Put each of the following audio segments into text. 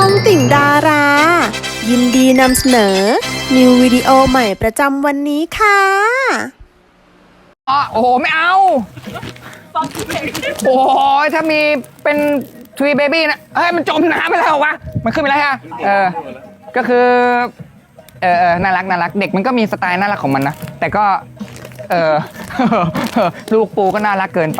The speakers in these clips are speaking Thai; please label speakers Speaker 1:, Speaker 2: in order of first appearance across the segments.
Speaker 1: องติ่งดารา ยินดีนำเสนอ นิววิดีโอใหม่ประจำวันนี้ค่ะ
Speaker 2: โอ้โหไม่เอาโอ้โหถ้ามีเป็นทวีเบบี้นะเฮ้ยมันจมน้ำไปแล้ววะมันขึ้นไปแล้วฮะก็คือน่ารักเด็กมันก็มีสไตล์น่ารักของมันนะแต่ก็ลูกปูก็น่ารักเกินไป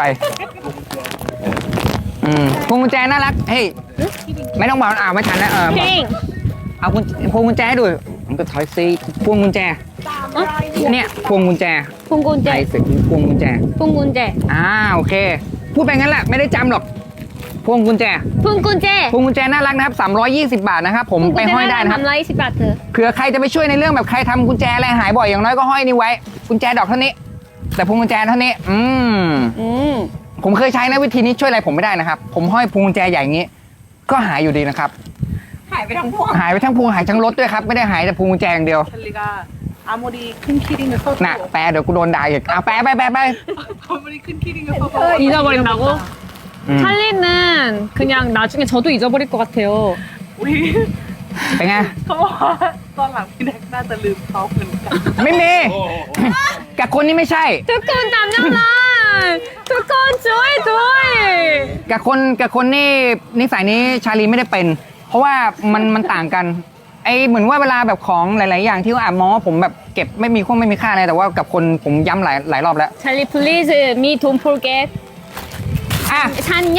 Speaker 2: พวงกุญแจน่ารักเฮ้ยไม่ต้องบอกไม่ทันนะเอาพวงกุญแจให้ดูมันก็ถอยซีพวงกุญแจเนี่ยพวงกุญแจ
Speaker 3: พวงกุญแจ
Speaker 2: พวงกุญแจโอเคพูดไปงั้นแหละไม่ได้จำหรอกพวงกุญแจน่ารักนะครับ320 บาทนะครับผมไปห้อยได้นะครับ
Speaker 3: 320 บาทเธอ
Speaker 2: เผื่อใครจะไปช่วยในเรื่องแบบใครทำกุญแจอะไรหายบ่อยอย่างน้อยก็ห้อยนี่ไว้กุญแจดอกเท่านี้แต่พวงกุญแจเท่านี้ผมเคยใช้นะวิธีนี้ช่วยอะไรผมไม่ได้นะครับผมห้อยพวงกุญแจใหญ่อย่างนี้ก็หายอยู่ดีนะครับหายไปทั้งพวงหายทั้งรถด้วยครับไม่ได้หายแต่พวงกุญแจอย่างเดียวน่ะแปลเดี๋ยวกูโดนด่าอีกเอาแปลไป
Speaker 3: 잊어버린다고? 찰리는 그냥 나중에 저도 잊어버릴 것 같아요.
Speaker 2: เป็นไง
Speaker 4: เขาบอกว่าตอนหลังพี่แน็กน่าจะลืมเขาเหมือนกัน
Speaker 2: ไม่มีกับคนนี้ไม่ใช่
Speaker 3: 두꺼운 남자란 두꺼운 좋아해
Speaker 2: กับคนนี่นิสัยนี้ชาลีไม่ได้เป็นเพราะว่ามันต่างกันไอเหมือนว่าเวลาแบบของหลายๆอย่างที่ว่ามองว่าผมแบบเก็บไม่มีค่าอะไรแต่ว่ากับคนผมย้ำหลายรอบแล้ว
Speaker 3: 찰리 please me don't forget 샀냐?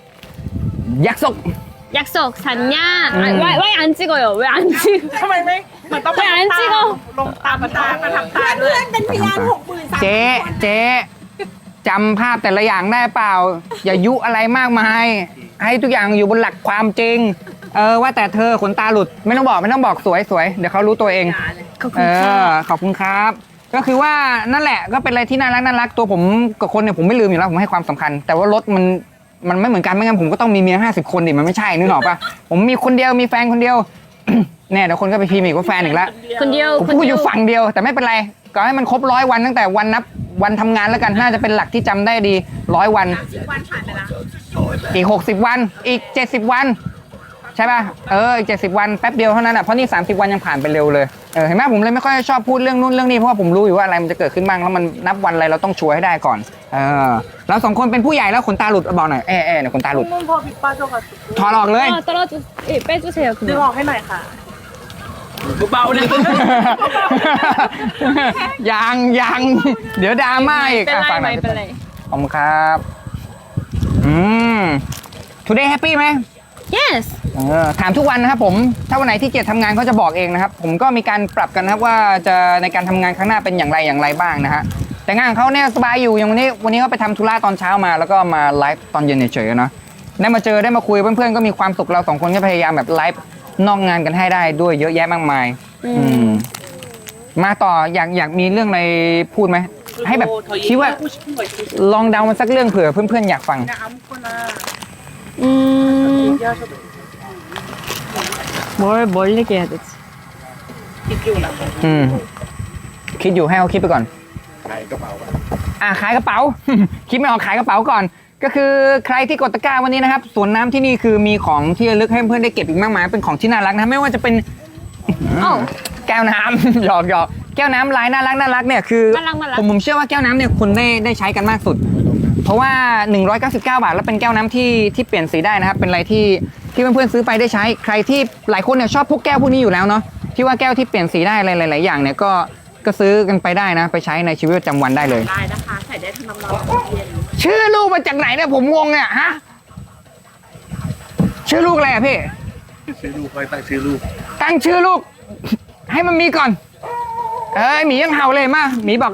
Speaker 3: 약속 샀냐? 왜 안 찍어요? 왜 안 찍어?
Speaker 4: ทำไมไม่เหมือนต้อง
Speaker 3: 왜 안 찍어?
Speaker 4: ลงตามมาทำตาด้วยเป็นพยาน
Speaker 2: เจ๊จำภาพแต่ละอย่างได้เปล่าอย่ายุอะไรมากมายให้ทุกอย่างอยู่บนหลักความจริงว่าแต่เธอขนตาหลุดไม่ต้องบอกสวยเดี๋ยวเขารู้ตัวเองขอบคุณครับก็คือว่านั่นแหละก็เป็นอะไรที่น่ารักตัวผมกับคนเนี่ยผมไม่ลืมอยู่แล้วผมให้ความสำคัญแต่ว่ารถมันไม่เหมือนกันไม่งั้นผมก็ต้องมีเมีย50 คนดิมันไม่ใช่นึกออกปะผมมีคนเดียวมีแฟนคนเดียวเนี่ยเดี๋ยวคนก็ไปพิมพ์อีกว่าแฟนอีกแล้วผมพูดอยู่ฝั่งเดียวแต่ไม่เป็นไรก็ให้มันครบ100 วันตั้งแต่วันนับวันทำงานแล้วกันน่าจะเป็นหลักที่จำได้ดี100 วันอีก60 วันอีก70 วันใช่ป่ะอีก70 วันแป๊บเดียวเท่านั้นอ่ะเพราะนี่30 วันยังผ่านไปเร็วเลยเห็นไหมผมเลยไม่ค่อยชอบพูดเรื่องนู้นเรื่องนี้เพราะว่าผมรู้อยู่ว่าอะไรมันจะเกิดขึ้นบ้างแล้วมันนับวันอะไรเราต้องชัวร์ให้ได้ก่อนเรา2 คนเป็นผู้ใหญ่แล้วขนตาหลุดบอกหน่อยเนี่ยขนตาหลุด
Speaker 4: พอผิดป้าโจกั
Speaker 2: ถอดออกเลย
Speaker 3: 빼주세요
Speaker 4: ดึงออกให้หน่อยค่ะเบาๆนะ
Speaker 2: ยังเดี๋ยวดราม่าอีก
Speaker 3: ฝากหน่อย
Speaker 2: ขอบคุณครับtoday happy ไหม
Speaker 3: yes
Speaker 2: ถามทุกวันนะครับผมถ้าวันไหนที่เกียรติทำงานเขาจะบอกเองนะครับผมก็มีการปรับกันนะครับว่าจะในการทำงานข้างหน้าเป็นอย่างไรบ้างนะฮะแต่งานเขาเนี่ยสบายอยู่อย่างวันนี้เขาไปทำธุระตอนเช้ามาแล้วก็มาไลฟ์ตอนเย็นเฉยๆนะได้มาเจอได้มาคุยเพื่อนๆก็มีความสุขเรา2 คนก็พยายามแบบไลฟ์นอกงานกันให้ได้ด้วยเยอะแยะมากมายมาต่ออยากมีเรื่องอะไรพูดไหมให้แบบคิดว่าลองเดามันสักเรื่องเผื่อเพื่อนๆอยากฟัง
Speaker 3: 뭘 얘기해야 되지?
Speaker 2: คิดอยู่ให้เขาคิดไปก่อนขายกระเป๋าขายกระเป๋า คิดไม่ออกขายกระเป๋าก่อนก็คือใครที่กดตะกร้าวันนี้นะครับสวนน้ำที่นี่คือมีของที่ระลึกให้เพื่อนได้เก็บอีกมากมายเป็นของที่น่ารักนะไม่ว่าจะเป็นแก้วน้ำหยอกแก้วน้ำลายน่ารักเนี่ยคือผมเชื่อว่าแก้วน้ำเนี่ยคุณได้ใช้กันมากสุดเพราะว่า199 บาทแล้วเป็นแก้วน้ำที่เปลี่ยนสีได้นะครับเป็นอะไรที่เพื่อนๆซื้อไปได้ใช้ใครที่หลายคนเนี่ยชอบพวกแก้วพวกนี้อยู่แล้วเนาะที่ว่าแก้วที่เปลี่ยนสีได้หลายๆอย่างเนี่ยก็ซื้อกันไปได้นะไปใช้ในชีวิตประจำวันได้เลย
Speaker 4: ได้นะคะใส่ได้ทั้งน้ำร้อนเย็น
Speaker 2: ชื่อลูกมาจากไหนเนี่ยผมงงเนี่ยฮะชื่อลูกอะไรอ่ะพี่
Speaker 5: ชื่อลูกใครตั้งชื่อลูก
Speaker 2: ให้มันมีก่อนหมียังเห่าเลยมาหมีบอก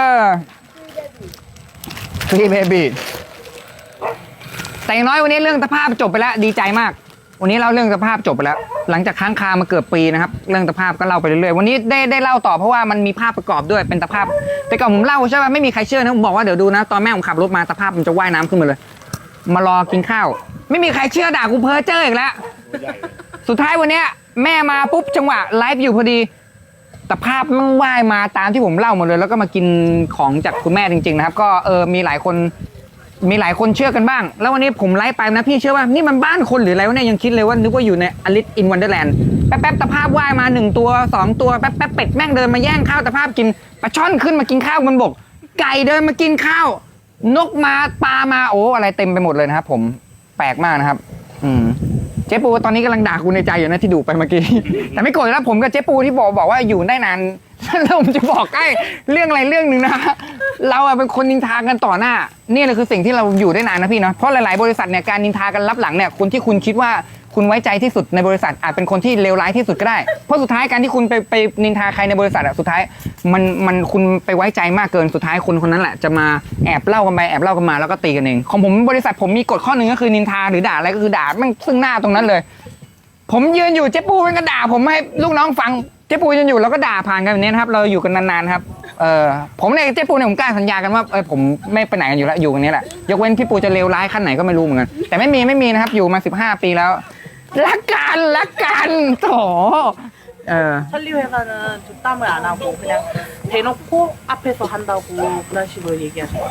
Speaker 2: พี่เบบี้แต่อย่างน้อยวันนี้เรื่องสภาพจบไปแล้วดีใจมากวันนี้เล่าเรื่องสภาพจบไปแล้วหลังจากค้างคามาเกือบปีนะครับเรื่องสภาพก็เล่าไปเรื่อยๆวันนี้ได้เล่าต่อเพราะว่ามันมีภาพประกอบด้วยเป็นสภาพแต่ก่อนผมเล่าใช่ป่ะไม่มีใครเชื่อนะผมบอกว่าเดี๋ยวดูนะตอนแม่ผมขับรถมาสภาพมันจะว่ายน้ำขึ้นมาเลยมารอกินข้าวไม่มีใครเชื่อด่ากูเพ้อเจ้ออีกแล้วสุดท้ายวันนี้แม่มาปุ๊บจังหวะไลฟ์อยู่พอดีแต่ภาพมันว่ายมาตามที่ผมเล่าหมดเลยแล้วก็มากินของจากคุณแม่จริงๆนะครับก็มีหลายคนมีหลายคนเชื่อกันบ้าง แล้ววันนี้ผมไลฟ์ไปนะพี่เชื่อว่านี่มันบ้านคนหรืออะไรวะเนี่ยยังคิดเลยว่านึกว่าอยู่ในอลิซอินวันเดอร์แลนด์แป๊บๆตะภาพว่ายมา1ตัว2ตัวแป๊บๆเป็ดแม่งเดินมาแย่งข้าวตะภาพกินปลาช่อนขึ้นมากินข้าวบนบกไก่เดินมากินข้าวนกมาปลามาโอ้อะไรเต็มไปหมดเลยนะครับผมแปลกมากนะครับเจ๊ปูตอนนี้กำลังด่าคุณในใจอยู่นะที่ดูไปเมื่อกี้ แต่ไม่โกรธแล้วผมกับเจ๊ปูที่บอกว่าอยู่ได้นาน แล้วผมจะบอกให้เรื่องอะไรเรื่องหนึ่งนะเราเป็นคนนินทากันต่อหน้านี่เลยคือสิ่งที่เราอยู่ได้นานนะพี่เนาะเพราะหลายๆบริษัทเนี่ยการนินทากันรับหลังเนี่ยคนที่คุณคิดว่าคุณไว้ใจที่สุดในบริษัทอาจเป็นคนที่เลวร้ายที่สุดก็ได้เพราะสุดท้ายการที่คุณไปนินทาใครในบริษัทสุดท้ายมันคุณไปไว้ใจมากเกินสุดท้ายคนนั้นแหละจะมาแอบเล่ากันไปแอบเล่ากันมาแล้วก็ตีกันเองของผมบริษัทผมมีกฎข้อหนึ่งก็คือนินทาหรือด่าอะไรก็คือด่ามันซึ่งหน้าตรงนั้นเลยผมยืนอยู่เจ๊ปูมันก็ด่าผมให้ลูกน้องฟังเจ๊ปูยืนอยู่แล้วก็ด่าผ่านกันแบบนี้นะครับเราอยู่กันนานๆครับผมเนี่ยเจ๊ปูเนี่ยผมกล้าสัญญากันว่าผมไม่ไปไหนกันอยู่แล้วอยู่กันนี้แหละยกเว้นพี่ปูจะเลวร้ายขั้นไหนก็ไม่รู้เหมือนกันแต่ไม่มีนะครับอยู่มา15 ปีแล้วรักกันโถ
Speaker 4: 설리 회사는 뒷담을 안 하고 그냥 대놓고 앞에서 한다고 그런 식으로 얘기하셨어요.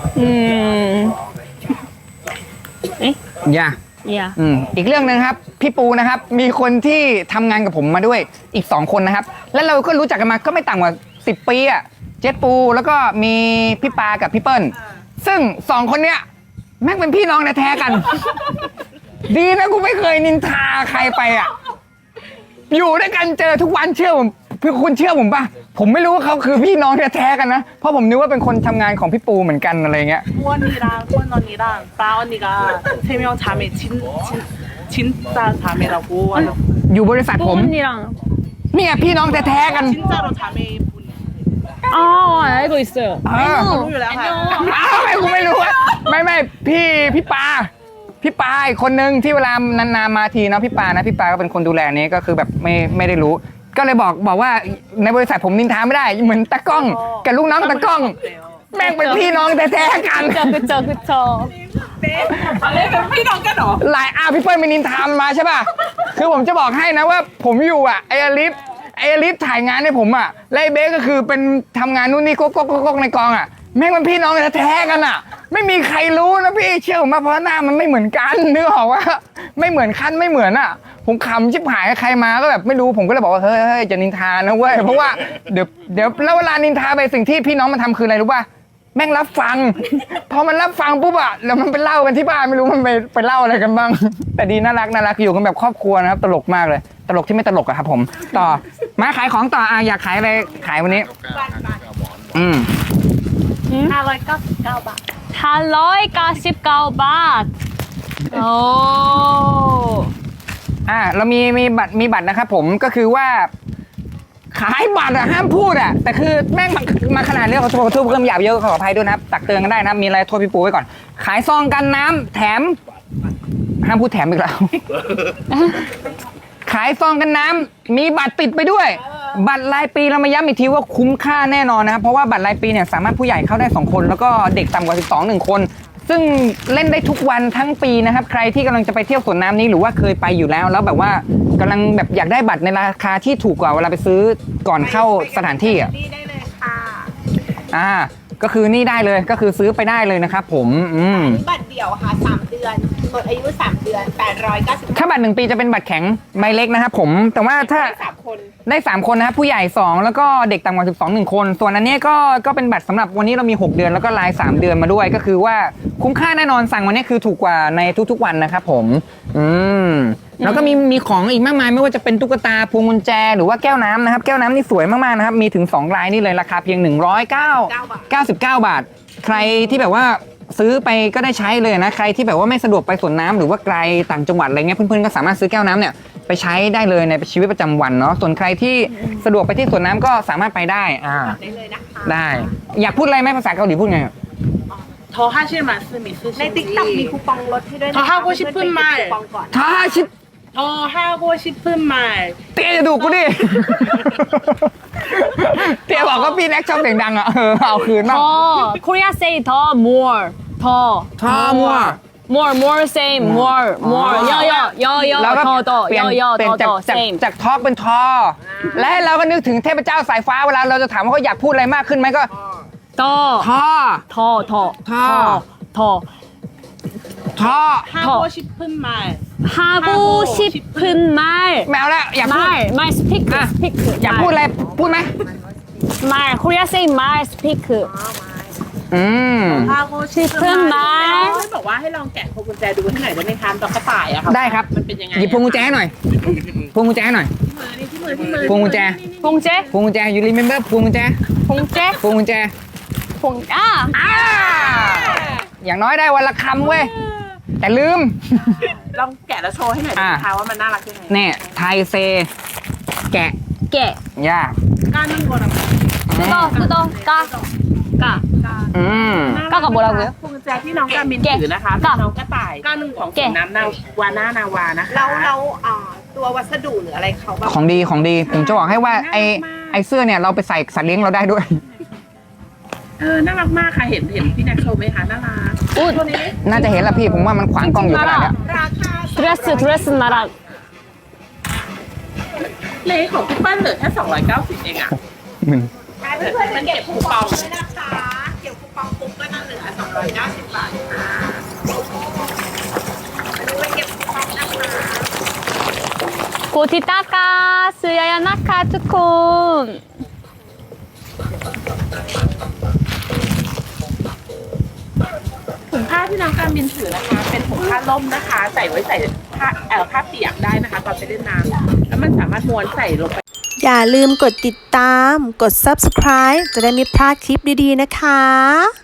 Speaker 2: อย่า
Speaker 3: yeah
Speaker 2: อีกเรื่องนึงครับพี่ปูนะครับมีคนที่ทำงานกับผมมาด้วยอีก2 คนนะครับแล้วเราก็รู้จักกันมาก็ไม่ต่ำกว่า10 ปีอะเจ๊ปูแล้วก็มีพี่ปากับพี่เปิ้ลซึ่ง2 คนเนี้ยแม่งเป็นพี่น้องแท้ๆกัน ดีนะกูไม่เคยนินทาใครไปอ่ะอยู่ด้วยกันเจอทุกวันเชื่อผมคุณเชื่อผมป่ะผมไม่รู้ว่าเขาคือพี่น้องแท้ๆกันนะเพราะผมนึกว่าเป็นคนทำงานของพี่ปูเหมือนกันอะไรเงี้ย
Speaker 4: 후원 언니랑 빠 언니가 3명 자매 진짜 자매라고
Speaker 2: อยู่บริษัทผม
Speaker 3: 언니랑
Speaker 2: เนี่ยพี่น้องแท้ๆกัน
Speaker 4: 진짜로 자매분.
Speaker 3: 알고 있어요.
Speaker 4: รู้อยู่แล้วค่ะ
Speaker 2: อ้าวไม่กูไม่รู้อะไม่พี่ปาอีกคนนึงที่เวลานานๆมาทีเนาะพี่ปาก็เป็นคนดูแลนี้ก็คือแบบไม่ได้รู้ ก็เลยบอกว่าในบริษัทผมนินทาไม่ได้เหมือนตะกล้องกับลูกน้องตะกล้องแม่งเป็นพี่น้องแท้ๆกัน
Speaker 3: 그쵸.
Speaker 4: อะไรเป็นพี่น้องกันเหรอ
Speaker 2: หลายพี่เปิ้ลไปนินทามมาใช่ป่ะคือผมจะบอกให้นะว่าผมอยู่อ่ะไออลิฟถ่ายงานให้ผมอ่ะไล่เบสก็คือเป็นทำงานนู่นนี่ก๊กในกองอ่ะแม่งเป็นพี่น้องแท้ๆกันอ่ะไม่มีใครรู้นะพี่เชื่อผมมาเพราะหน้ามันไม่เหมือนกันนึกออกว่าไม่เหมือนขั้นไม่เหมือนอ่ะผมขำชิบหายใครมาก็แบบไม่รู้ผมก็เลยบอกว่าเฮ้ยจะนินทานะเว้ยเพราะว่าเดี๋ยวแล้วเวลานินทาไปสิ่งที่พี่น้องมันทำคืออะไรรู้ป่ะแม่งรับฟังพอมันรับฟังปุ๊บอะแล้วมันไปเล่ากันที่บ้านไม่รู้มันไปเล่าอะไรกันบ้างแต่ดีน่ารักอยู่กันแบบครอบครัวนะครับตลกมากเลยตลกที่ไม่ตลกอะครับผมต่อมาขายของต่ออยากขายอะไรขายวันนี้
Speaker 4: 599 บาท
Speaker 3: 599 바트. 오.
Speaker 2: เรามีบัตรนะครับผมก็คือว่าขายบัตรอะห้ามพูดอะแต่คือแม่งมาขนาดนี้ขอโทษเพิ่มหยาบเยอะขออภัยด้วยนะครับตักเตือนกันได้นะมีอะไรโทษพี่ปูไว้ก่อนขายซองกันน้ำแถมห้ามพูดแถมอีกแล้ว ขายซองกันน้ำมีบัตรติดไปด้วยบัตรรายปีเรามาย้ำอีกทีว่าคุ้มค่าแน่นอนนะครับเพราะว่าบัตรรายปีเนี่ยสามารถผู้ใหญ่เข้าได้2 คนแล้วก็เด็กต่ำกว่า12 1 คนซึ่งเล่นได้ทุกวันทั้งปีนะครับใครที่กำลังจะไปเที่ยวสวนน้ำนี้หรือว่าเคยไปอยู่แล้วแบบว่ากำลังแบบอยากได้บัตรในราคาที่ถูกกว่าเวลาไปซื้อก่อนเข้าสถานที่อ่ะ
Speaker 4: นี่ได้เลยค่ะ
Speaker 2: ก็คือนี่ได้เลยก็คือซื้อไปได้เลยนะครับผม
Speaker 6: บัตรเดี่ยวค่ะ3 เดือนหมดอายุ3 เดือน890
Speaker 2: ถ้าบัตร1 ปีจะเป็นบัตรแข็งใบเล็กนะครับผมแต่ว่าถ้าได้3 คนนะครับผู้ใหญ่2แล้วก็เด็กต่ำกว่า12 1 คนส่วนอันนี้ก็เป็นบัตรสำหรับวันนี้เรามี6 เดือนแล้วก็ราย3 เดือนมาด้วยก็คือว่าคุ้มค่าแน่นอนสั่งวันนี้คือถูกกว่าในทุกๆวันนะครับผมแล้วก็มีของอีกมากมายไม่ว่าจะเป็นตุ๊กตาพวงกุญแจหรือว่าแก้วน้ำนะครับแก้วน้ำนี่สวยมากๆนะครับมีถึง2 ลายนี่เลยราคาเพียง199 บาทใครที่แบบว่าซื้อไปก็ได้ใช้เลยนะใครที่แบบว่าไม่สะดวกไปสวนน้ำหรือว่าไกลต่างจังหวัดอะไรเงี้ยเพื่อนๆก็สามารถซื้อแก้วน้ำเนี่ยไปใช้ได้เลยในชีวิตประจำวันเนาะส่วนใครที่สะดวกไปที่สวนน้ำก็สามารถไปได้
Speaker 6: ได้เลยนะคะ
Speaker 2: ได้อยากพูดอะไรไหมภาษาเกาหลีพูดไง
Speaker 4: 더 하실 말씀 있으신지
Speaker 6: ใน TikTok มีคูปองลดให้ด้วยนะ
Speaker 4: 더 하고 싶은 말
Speaker 2: ถ้าชิป
Speaker 4: 더 하고 싶은 말
Speaker 2: เตี้ยจะดูกูดิ เตี้ยบอกว่าพี่แน็กชอบเสียงดังอ่ะเอาคืนบ้าง
Speaker 3: Korea say 더 more. more same more 여
Speaker 2: แล้วก็เปลี่ยน
Speaker 3: 더 same
Speaker 2: จากทอเป็นทอและให้เราก็นึกถึงเทพเจ้าสายฟ้าเวลาเราจะถามว่าเขาอยากพูดอะไรมากขึ้นไหมก็
Speaker 3: 더
Speaker 2: ท่อ
Speaker 4: 하고 싶은 말.
Speaker 3: 하고 싶은 말.
Speaker 2: แมวแล้วอยากพูด
Speaker 3: 말 스피크
Speaker 2: 아.
Speaker 3: 스피크.
Speaker 2: อยากพูดอะไรพูดไหม
Speaker 3: 말 코리아 세이 말 스피크.
Speaker 2: อืม
Speaker 4: 하고 싶은 말. ให้บอกว่าให้ลองแกะพวงกุญแจดูให้หน่อยได้ไหมคะตอนกระต่ายอะค่ะ
Speaker 2: ได้ครับ
Speaker 4: มันเป็นยังไง
Speaker 2: หยิบพวงกุญแจให้หน่อยพวงกุญแจให้หน่อย
Speaker 4: ที่มือ
Speaker 2: พวงกุญแจ
Speaker 3: 봉제
Speaker 2: พวงกุญแจยูรีเมมเบอร์พวงกุญแจ
Speaker 3: 봉제
Speaker 2: พวงกุญแจ
Speaker 3: 봉 아.
Speaker 2: อย่างน้อยได้วันละคำเว้ยแต่ลืม
Speaker 4: ลองแกะแล้วโชว์ให้หน่อยได้ไหมคะว่ามันน่ารักยังไง
Speaker 2: เนี่ยไทยเซ แกะ
Speaker 3: 깨.
Speaker 2: ยาก
Speaker 4: 까는 거랑
Speaker 3: 뜯어 까. 까.
Speaker 2: อืม
Speaker 3: 까가 뭐라고요?
Speaker 4: พวงกุญแจที่น้องกามินถือนะคะเป็นน้องกระต่ายก้าหนึ่งของสวนน้ำวาน่านาวานะคะ
Speaker 6: แล้วตัววัสดุหรืออะไรเขาแบบ
Speaker 2: ของดีของดีผมจะบอกให้ว่าไอเสื้อเนี่ยเราไปใส่สัตว์เลี้ยงเราได้ด้วย
Speaker 4: น่ารักมากค่ะเห็นพี่แน็กโชว์ไหมคะน่ารักตัวนี้
Speaker 2: น่าจะเห็นละพี่ผมว่ามันขวางกล้องอยู่ขนาดเนี้ย
Speaker 6: ราคา
Speaker 3: 드레스 나랑
Speaker 4: เลขของพี่เปิ้ลเหลือแค่290เองอ่ะ
Speaker 2: มึน
Speaker 6: เพื่อนๆมันเก็บคูปองด้วยนะคะเก็บคูปองปุ๊บก็จะเหลือ290 บาทค่ะไปเก็บคูปองนะคะ
Speaker 3: 고티타카 스야야 나카 투콘.
Speaker 4: ถุงผ้าที่น้องการมินถือนะคะ เป็นถุงผ้าล่มนะคะ ใส่ไว้ใส่ผ้าเปียกได้นะคะ ตอนไปเล่นน้ำแล้วมันสามารถม้วนใส่ลงไป
Speaker 1: อย่าลืมกดติดตาม กด subscribe จะได้ไม่พลาดคลิปดีๆนะคะ